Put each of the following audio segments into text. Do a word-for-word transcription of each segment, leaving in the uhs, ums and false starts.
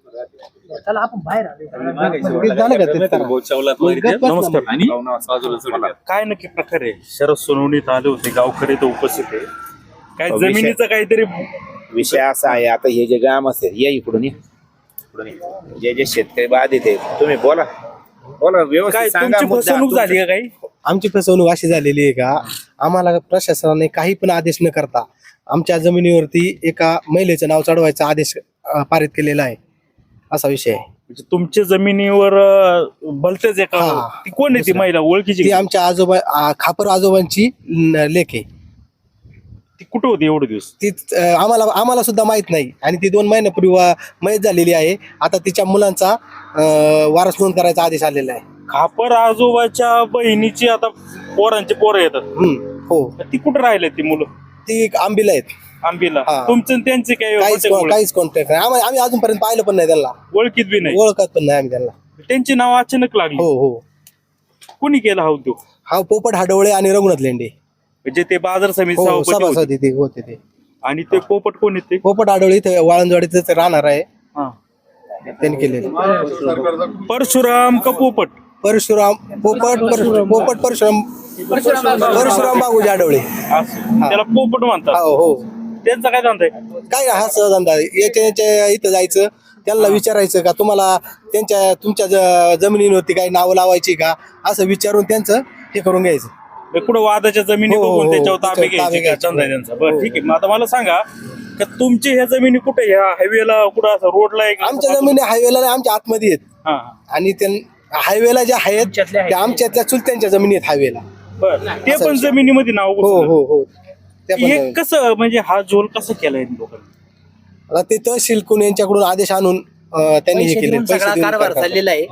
त्याला आपण बाहेर नमस्कार. आणि काय नक्की प्रकार आहे? शरद सोनवणीत आले होते, गावकरी तर उपस्थित आहे. काय जमिनीचं काहीतरी विषय असा आहे. आता हे जे ग्राम असेल या इकडून ये. इकडून ये. जे जे शेतकरी बाधित आहेत तुम्ही बोला बोला काय व्यवस्थित सांगा तुमची मुद्दा. फसवणूक झाली का काही? आमची फसवणूक अशी झालेली आहे का आम्हाला प्रशासनाने काही पण आदेश न करता आमच्या जमिनीवरती एका महिलेचं नाव चढवायचा आदेश अं, पारित केलेला आहे. असा विषय आहे. म्हणजे तुमच्या जमिनीवर अं, भलतेच एका हा. ती कोण आहे ती महिला ओळखीची ती का? आमच्या आजोबा आ, खापर आजोबांची न, लेक आहे. ती कुठं होती एवढे दिवस? ती अं, आम्हाला आम्हाला सुद्धा माहित नाही आणि ती दोन महिन्यापूर्वी वा- मयत झालेली आहे. आता तिच्या मुलांचा अं, वारस नोंद करायचा आदेश आलेला आहे. खापर आजोबाच्या बहिणीची आता पोरांचे पोरं येतात. हम्म, हो ती कुठं राहिले ती मुलं? ती एक आंबीला आहेत. आंबीला. हा. तुमचं आणि त्यांचे काय काहीच contact ओळख- काहीच कॉन्टॅक्ट नाही. आम्ही आम्ही अजूनपर्यंत पाहिलं पण नाही त्यांना, ओळखीत बी नाही. ओळखत पण नाही आम्ही त्यांना. त्यांची नाव अचानक लागली. हो हो कोणी केला हा उद्योग? हा पोपट हाडवळे आणि रघुनाथ लेंडे म्हणजे ते बाजार समिती हो सभापती होते. सभासद ते होते ते. आणि ते पोपट कोण येते? पोपट हाडवळे इथे वाळंजवाडीत राहणार आहे. त्यांनी केलेलं परशुराम का पोपट? परशुराम पोपट परशु- पोपट परशुराम परशुराम बाबूजी आडवळे. असं. त्याला पोपट म्हणतात. हो हो त्यांचा काय धंदा आहे? काय हा सहधंदा याच्या याच्या इथं जायचं त्यांना विचारायचं का तुम्हाला त्यांच्या तुमच्या ज- जमिनीवरती काही नावं लावायची का असं विचारून त्यांचं हे करून घ्यायचं. हे कुठं वादाच्या जमिनी हो, हो, बघून हो. त्याच्यावर ताबे त्याच्यावर घ्यायचे ताबे का? घ्यायचे. धंदा आहे त्यांचा. बरं हो. ठीक आहे. मग आता मला सांगा का तुमची ह्या जमिनी कुठे ह्या हायवेला कुठं असं रोडला आहे का? आमच्या जमिनी हायवेला नाही, आमच्या आतमध्ये आहेत. हा, हा. आणि त्या हायवेला ज्या आहेत त्या आमच्या त्या चुलत्यांच्या जमिनी आहेत हायवेला. बरं. ते पण जमिनीमध्ये नाव हो घुसलं. हो हो त्या पण हे जमिनी. कसं म्हणजे हा झोल कसं केलाय लोकांनी? आता ते तहसील कुण यांच्याकडून आदेश आणून अं, त्यांनी हे केले सगळा कारभार चाललेला आहे.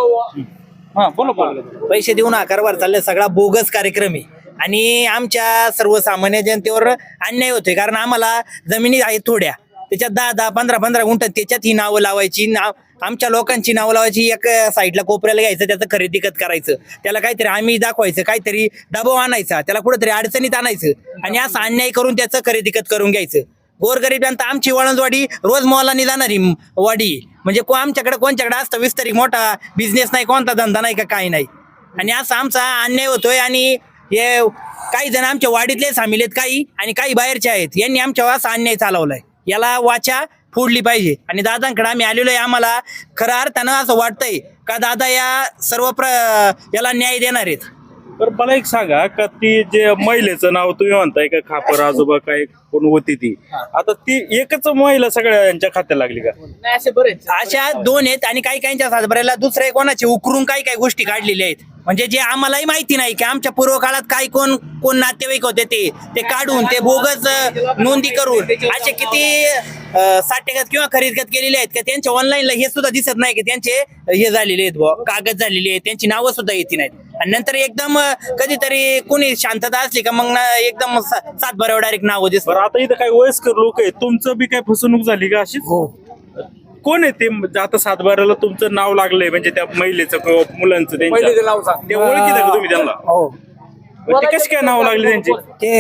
हा बोला बोला. पैसे देऊन हा कारभार चाललेला सगळा बोगस कार्यक्रम आहे आणि आमच्या सर्वसामान्य जनतेवर अन्याय होतोय. कारण आम्हाला जमिनी आहेत थोड्या, त्याच्यात दहा दहा पंधरा पंधरा गुंठ त्याच्यात ही नावं लावायची. नाव आमच्या लोकांची नावं लावायची. एक साईडला कोपऱ्याला घ्यायचं, त्याचं खरेदी खत करायचं, त्याला काहीतरी आम्ही दाखवायचं, काहीतरी दबाव आणायचा, त्याला कुठेतरी अडचणीत आणायचं आणि असं अन्याय करून त्याचं खरेदी खत करून घ्यायचं. गोरगरिबांत आमची वळणवाडी रोज मोलानी जाणारी वाडी. म्हणजे को आमच्याकडे कोणच्याकडे असतं विस्तारित मोठा बिझनेस नाही, कोणता धंदा नाही का काही नाही. आणि असा आमचा अन्याय होतोय. आणि हे काही जण आमच्या वाडीतले सामील आहेत काही आणि काही बाहेरचे आहेत. यांनी आमच्यावर असा अन्याय चालवलाय. याला वाचा फोडली पाहिजे. आणि दादांकडे आम्ही आलेलो आहे. आम्हाला खऱ्या अर्थानं असं वाटतंय का दादा या सर्व प्र याला न्याय देणार आहेत. तर मला एक सांगा का ती जे महिलेचं नाव तुम्ही म्हणताय का खापर आजोबा काय कोण होती ती, आता ती एकच महिला सगळ्या यांच्या खात्याला लागली का? अशा दोन आहेत आणि काही काहींच्या सातबाऱ्याला दुसऱ्या कोणाचे उकरून काही काही गोष्टी काढलेल्या आहेत. म्हणजे जे आम्हालाही माहिती नाही की आमच्या पूर्व काळात काय कोण कोण नातेवाईक होते ते ते काढून ते बोगस अं, नोंदी करून असे किती साठेगत किंवा खरेदीगत केलेले आहेत का त्यांच्या ऑनलाईनला हे सुद्धा दिसत नाही की त्यांचे हे झालेले आहेत बुवा, कागद झालेले आहेत, त्यांची नावं सुद्धा येत नाहीत. आणि नंतर एकदम अं, कधीतरी कोणी शांतता असली का मग ना एकदम सातबाऱ्यावर डायरेक्ट नावं दिसत. बरं आता इथं काही वयस्कर लोक आहेत, तुमचं बी काय फसवणूक झाली का अशीच? कोण आहे ते आता सातबाऱ्याला तुमचं नाव लागलंय म्हणजे त्या महिलेचं किंवा मुलांचं त्यांच्या? ते ओळखीत का तुम्ही त्यांना? मग ते कशी काय नाव लागले त्यांची?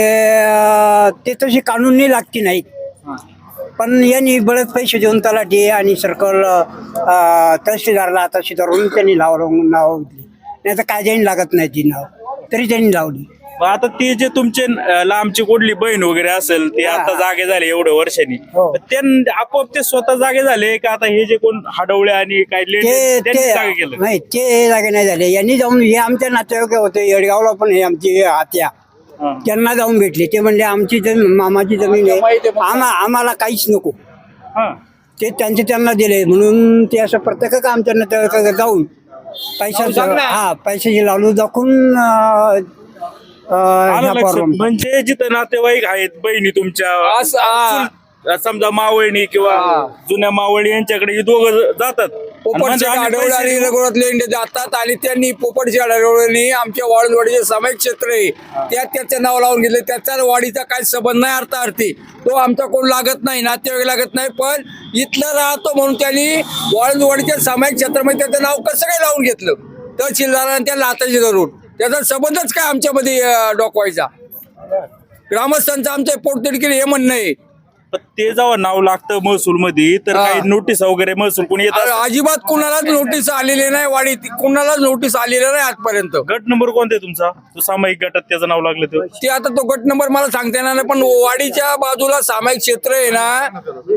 ते ते तशी कानूनी लागती नाही, पण यांनी बरेच पैसे देऊन तलाठी आणि सर्कल तहसीलदारला तहसीलदार त्यांनी लाव नाव घेतली. नाही तर काय त्यांनी लागत नाही ती नाव, तरी त्यांनी लावली. मग आता ते जे तुमचे अं, लांबची कुठली बहीण वगैरे असेल ते आता जागे झाले एवढ्या वर्षांनी, हो. ते आपोआप ते स्वतः जागे झाले का आता हे जे कोण हडवळे आणि काय ते लेंडे त्यांनी ते जागे केलं? नाही, ते जागे नाही झाले. यांनी जाऊन हे आमच्या नातेवाईक होते येडगावला, पण हे आमची आत्या हा. त्यांना जाऊन भेटले. ते म्हणले आमची जमीन मामाची जमीन आहे, आम्हा आम्हाला काहीच नको. हा. ते त्यांचे त्यांना दिले म्हणून ते असं प्रत्येक आमच्या नातेवाईकाकडे जाऊन पैशाचं हा पैशाची लावून दाखवून अं, अं, आलं ह्या लक्षात. प्रॉब्लेम. म्हणजे जिथं नातेवाईक आहेत बहिणी तुमच्या चुल- समजा मावळणी किंवा जुन्या मावळणी यांच्याकडे हे दोघं जातात. आणि म्हणजे पोपटच्या आम्ही आढळले पैसे आणि देऊ. रघुनाथ लेंडे जातात आणि त्यांनी पोपटच्या आढळणी आमच्या वाळूंजवाडीचे सामायिक क्षेत्र आहे त्यात त्याचं नाव लावून घेतले. त्याचा वाडीचा काही संबंध नाही अर्थार्थी, तो आमचा कोण लागत नाही, नातेवाईक लागत नाही. पण इथलं राहतो म्हणून त्यांनी वाळूंजवाडीच्या सामायिक क्षेत्रामध्ये त्याचं नाव कसं काय लावून घेतलं तहसीलदारांनी त्याला हाताशी धरून? त्याचा संबंधच काय आमच्यामध्ये अं, डोकवायचा? ग्रामस्थांचं आमचं पोटतिडकीने हे म्हणणं आहे पण ते जेव्हा नाव लागतं महसूल मध्ये तर हा. काही नोटीस वगैरे महसूल कोणी येत अरे असतं? अजिबात कुणालाच नोटीस आलेली नाही वाडी कुणालाच नोटीस आलेली नाही आजपर्यंत. गट नंबर कोणता आहे तुमचा तो सामायिक गटात त्याचं नाव लागलं तर ते आता तो गट नंबर मला सांगता येणार नाही, पण वाडीच्या बाजूला सामायिक क्षेत्र आहे ना.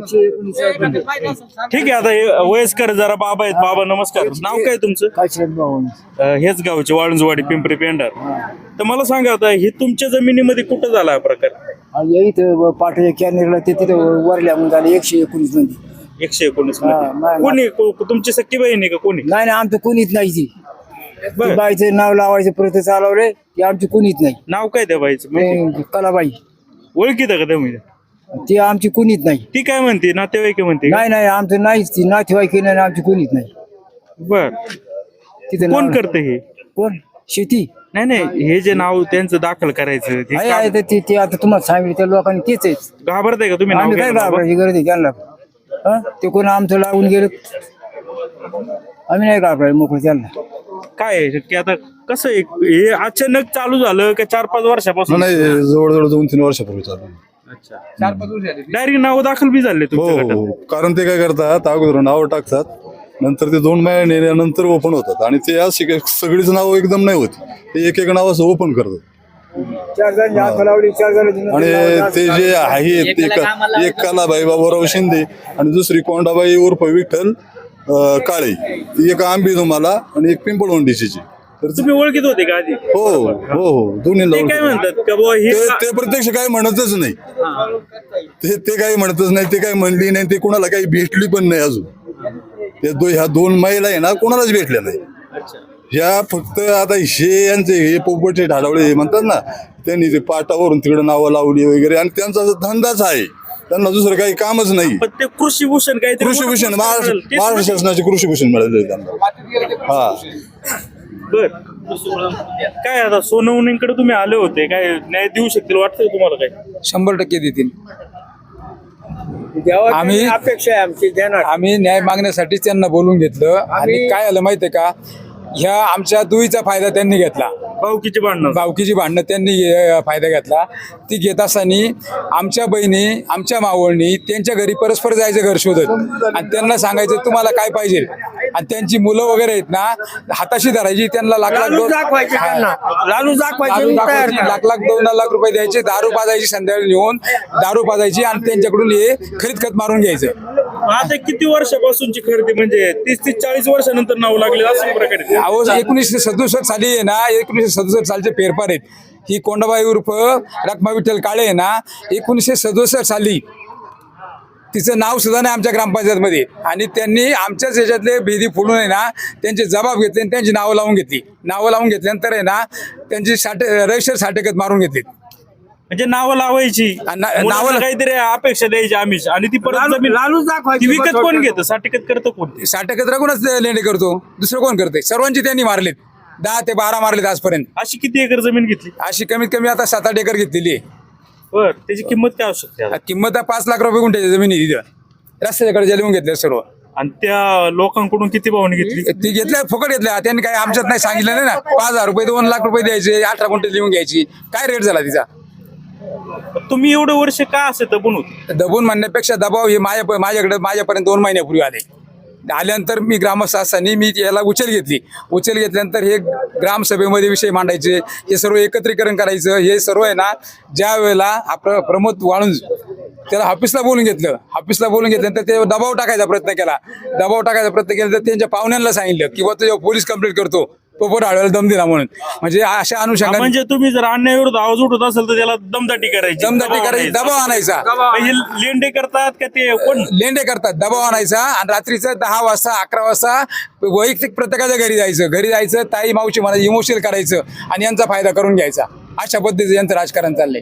ठीक आहे. आता हे वयस्कर जरा बाबा आहेत. बाबा नमस्कार. नाव काय तुमचं? अं, हेच गावचे वाळुंजवाडी पिंपरी पेंढार. तर मला सांगा आता हे तुमच्या जमिनीमध्ये कुठं झाला हा प्रकार? इथं पाठवल्या कॅनेरला ते तिथं वरल्या म्हणून झालं एकशे एकोणीस मध्ये. एकशे एकोणीस हा, मध्ये मा- कोणी को- तुमची सख्खी बहीण आहे का कोणी? नाही नाही आमचं कोणीच नाही ती. बरं. ती बाईचं नाव लावायचं प्रयत्न चालवले ती आमची कोणीच नाही. नाव काय त्या बाईचं माहिती? ते कलाबाई ओळखीत का तुम्ही? ती आमची कोणीच नाही. ती काय म्हणते नातेवाईक म्हणते का? नाही नाही आमचं नाहीच ती नातेवाईक नाही आमची कोणीच नाही. बर. तिथं कोण नाव- करते हे? कोण शेती नाही नाही हे जे नाव त्यांचं दाखल करायचं ते आहे काम- आहे तर ते ते आता तुम्हाला सांगितलं त्या लोकांनी तेच आहे. घाबरताय का तुम्ही नाव आम्ही काय घ्यायला? घाबरायची गरज आहे त्यांना. हं? ते कोण आमचं लागून गेलं आम्ही नाही घाबरायचं मोकळं त्यांना. काय आहे की आता कसं आहे? हे अचानक चालू झालं का चार पाच वर्षापासून? नाही जवळजवळ दोन तीन वर्षापूर्वी चालू आहे. डायरेक्ट नाव दाखल बी झाले हो तुमच्या हो गटात? हो. कारण ते काय करतात अगोदर नाव टाकतात नंतर ते दोन महिने नंतर ओपन होतात आणि ते अशी काही सगळीच नाव एकदम नाही होती. ते एक एक नाव असं ओपन करतात चार जण हात लावली चार जण आणि ते जे आहे ते क- एक कलाबाई बाबूराव शिंदे आणि दुसरी कोंडाबाई उर्फ विठ्ठल अं, काळे. ती एक आंबी तुम्हाला आणि एक पिंपळवंडीची. तर ते- तुम्ही ओळखीत होते का आधी? हो हो हो दोन्ही ते काय म्हणतात का बुवा हे ते ते प्रत्यक्ष काय म्हणतच नाही. ते ते काही म्हणतच नाही. ते काही म्हणली नाही. ते कोणाला काही भेटली पण नाही अजून. ते दो ह्या दोन महिला आहे ना कोणालाच भेटल्या नाही. ह्या फक्त आता हे यांचे हे पोपटचे ढाढवळे हे म्हणतात ना त्यांनी ते पाटावरून तिकडे नावं लावली वगैरे आणि त्यांचा धंदाच आहे. त्यांना दुसरं काही कामच नाही. पण ते कृषी भूषण काहीतरी कृषी भूषण महाराष्ट्र तेच महाराष्ट्र शासनाचे कृषी भूषण मिळालेले आहे त्यांना. हा बर. काय आता सोनवणीकडे तुम्ही आले होते काय न्याय देऊ शकतील वाटतं तुम्हाला काय? शंभर टक्के देतील. आम्ही अपेक्षा आहे आमची देणार. आम्ही न्याय मागण्यासाठी त्यांना बोलून घेतलं आणि काय आलं माहितीये का, ह्या आमच्या दुईचा फायदा त्यांनी घेतला. भाऊकीची भांडणं भावकीची भांडणं त्यांनी अं, फायदा घेतला. ती घेत असताना आमच्या बहिणी आमच्या मावळणी त्यांच्या घरी परस्पर जायचं घर शोधत आणि त्यांना सांगायचं तुम्हाला काय पाहिजे आणि त्यांची मुलं वगैरे आहेत ना हाताशी धरायची त्यांना लाख लाख दोन दाखवायचे त्यांना. लालू लालू दाखवायचे तयार दाखवायची, करा. लाख लाख दोन लाख रुपये द्यायचे, दारू पाजायची संध्याकाळी येऊन दारू पाजायची आणि त्यांच्याकडून हे खरीद खत मारून घ्यायचं. आता किती वर्षापासूनची खरेदी म्हणजे तीस तीस चाळीस वर्षानंतर नाव लागले असं प्रकारे ते? अहो एकोणीसशे सदुसष्ट साली आहे ना एकोणीसशे सदुसष्ट सालचे फेरफार आहेत. ही कोंडाबाई उर्फ रखमा विठ्ठल काळे आहे ना एकोणीसशे सदुसष्ट साली तिचं नाव सुद्धा नाही आमच्या ग्रामपंचायतमध्ये आणि त्यांनी आमच्याच याच्यातले भेदी फोडून आहे ना त्यांचे जबाब घेतले आणि त्यांची नावं लावून घेतली. नावं लावून घेतल्यानंतर आहे ना त्यांची साठे रजिस्टर साठेकत मारून घेतली. म्हणजे नावं लावायची आणि ना- मुलांना नावं- काहीतरी अपेक्षा द्यायची आमिष आणि ती परत जमीन लालू दाखवायची. ती विकत कोण घेतं? साठेकत करतं कोण? साठेकत राखूनच लेणे करतो, दुसरं कोण करते? सर्वांची त्यांनी मारलेत, दहा ते बारा मारलेत आजपर्यंत. अशी किती एकर जमीन घेतली? अशी कमीत कमी आता सात आठ एकर घेतलेली आहे. बर. त्याची किंमत काय असू शकते आता? किंमत आहे पाच लाख रुपये गुंठ्याची जमीन आहे तिथं. रस्त्याकडे लिहून घेतले सर्व. आणि त्या लोकांकडून किती भावनी घेतली? ती घेतल्या फुकट घेतल्या त्यांनी काही आमच्यात नाही सांगितलं नाही ना. पाच हजार रुपये दोन लाख रुपये द्यायचे, अठरा गुंठे लिहून घ्यायची. काय रेट झाला तिचा? तुम्ही एवढे वर्ष का असे दबून होते? दबून म्हणण्यापेक्षा दबाव हे माझ्या माझ्याकडे माझ्यापर्यंत दोन महिन्यापूर्वी आले. आल्यानंतर मी ग्रामस्थ असताना मी याला उचल घेतली. उचल घेतल्यानंतर हे ग्रामसभेमध्ये विषय मांडायचे, हे सर्व एकत्रीकरण करायचं. हे सर्व आहे ना ज्या वेळेला आपलं प्रमोद वाळुंज त्याला ऑफिसला बोलून घेतलं. ऑफिसला बोलून घेतल्यानंतर ते दबाव टाकायचा प्रयत्न केला. दबाव टाकायचा प्रयत्न केला तर त्यांच्या पाहुण्यांना सांगितलं की बुवा तुझ्या पोलीस कंप्लेंट करतो, पोपट आळव्याला दम दिला म्हणून. म्हणजे अशा अनुषंगाने म्हणजे तुम्ही जर अन्यायाविरुद्ध आवाज उठत असेल तर त्याला दमदाटी करायची, दमदाटी करायची, दबाव आणायचा. हे लेंडे करतात का ते कोण? लेंडे करतात, दबाव आणायचा आणि रात्रीचं दहा वाजता अकरा वाजता वैयक्तिक प्रत्येकाच्या घरी जायचं. घरी जायचं, ताई मावशी म्हणायचं, इमोशनल करायचं आणि यांचा फायदा करून घ्यायचा. अशा पद्धतीचं यांचं राजकारण चाललंय.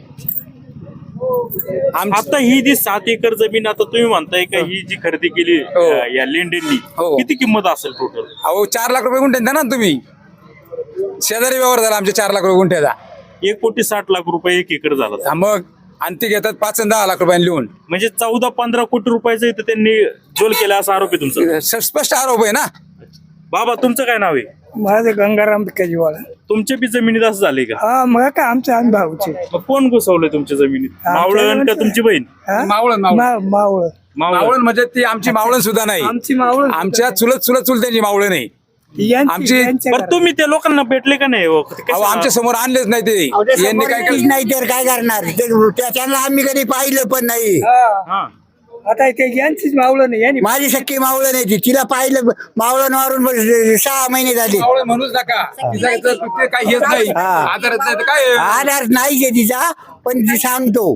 आमचं आता ही जी सात एकर जमीन आता तुम्ही म्हणताय का ही जी खरेदी केली हो. अं, या लेंडेंनी हो. किती किंमत असेल टोटल? अहो चार लाख रुपये गुंठे द्या ना तुम्ही. शेजारी व्यवहार झाला आमच्या चार लाख रुपये गुंठ्याचा. एक कोटी साठ लाख रुपये एक एकर झाला. हा मग आणि ते घेतात पाच आणि दहा लाख रुपयांनी लिहून. म्हणजे चौदा पंधरा कोटी रुपयाचं इथं त्यांनी जोल केला असा आरोप आहे तुमचा. स्पष्ट आरोप आहे ना. बाबा तुमचं काय नाव आहे? माझं गंगाराम भिकाजीवाला. तुमच्या बी जमिनीत असं झाले का? हा मग काय आमचे आम्ही भाऊचे. मग कोण घुसवलंय तुमच्या जमिनीत? मावळण का तुमची बहीण? मावळण मावळण मा- मावळ मावळण म्हणजे ती आमची मावळण सुद्धा नाही. आमची मावळ आमच्या चुलत चुलत चुलत्यांची मावळण नाही. यांची- आमची- यांच्या बरं तुम्ही त्या लोकांना भेटले का नाही हो? ते अहो कशा- आमच्या समोर आणलेच नाही ते यांनी काय समोर नाही तर काय करणार ते- त्या- त्यांना आम्ही कधी पाहिलं पण नाही. घरात- हा. आता ते यांचीच मावळ नाही यांनी माझी सख्खी मावळं नाही ती तिला पाहिलं मावळं मारून बस- सहा महिने झाले. मावळण म्हणूच नका तिचं तर ते काही हेच नाही हा. आधारच नाही तर काय आधार नाहीये तिचा पण ती सांगतो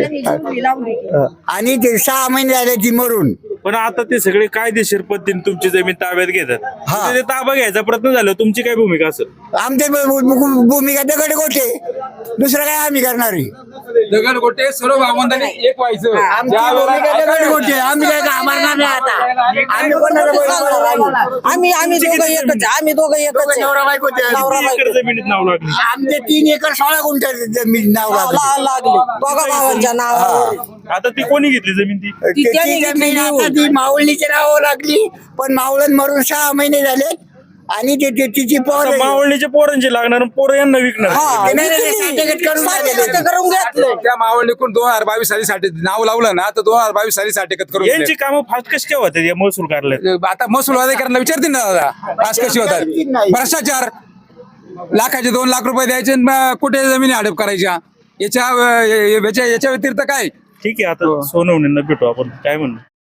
आणि ते सहा महिने झाले ती मरून. पण आता ते सगळे कायदेशीर पद्धतीने तुमची जमीन ताब्यात घेतात. हा. ते ताबा घ्यायचा प्रयत्न झाला, तुमची काय भूमिका असेल? आमचे भू- भू- भूमिका दगड गोटे दुसरं काय आम्ही करणार आहे? दगड गोटे सर्व भावंडांनी एक व्हायचं आमची ज्या वेळेला- भूमिका दगड गोटे आम्ही काय घाबरणार नाही आता. आम्ही कोणाला बोलणार नाही. आम्ही आम्ही दोघं एकच आम्ही दोघं एकच आहे. नवरा बायको ते- नवरा किती एकर जमिनीत नाव लागली? आमचे तीन एकर सोळा गुंठ जमीन नाव लागले. ला- लागली दोघा भावांच्या नावावर आता ती कोणी घेतली जमीन ती? ती- ती त्यांनी जमीन घेतली आता लिहून. ती मावळणीच्या नावावर लागली पण मावळण मरून सहा महिने झाले आणि ते ते- तिची पोर आता मावळणीच्या पोरांची लागणार आणि पोरं यांना विकणार. हा, ते नाही- नाही, विकली. certificate करून certificate झालेलं. करून घेतलं. त्या मावळणीकडून दोन हजार बावीस साली साठी नाव लावलं ना तर दोन हजार बावीस साली साठी करून दिले. यांची कामं फास्ट कशी काय होतात या महसूल कार्यालयात? आता महसूल अधिकाऱ्यांना विचारतील ना दादा आज कशी होतात भ्रष्टाचार लाखाचे दोन लाख रुपये द्यायचे आणि मग कुठे जमिनी हडप करायच्या याच्या याच्या याच्या व्यतिरिक्त काय ठीक आहे, आता सोनवणींना भेटू आपण, काय म्हणणं?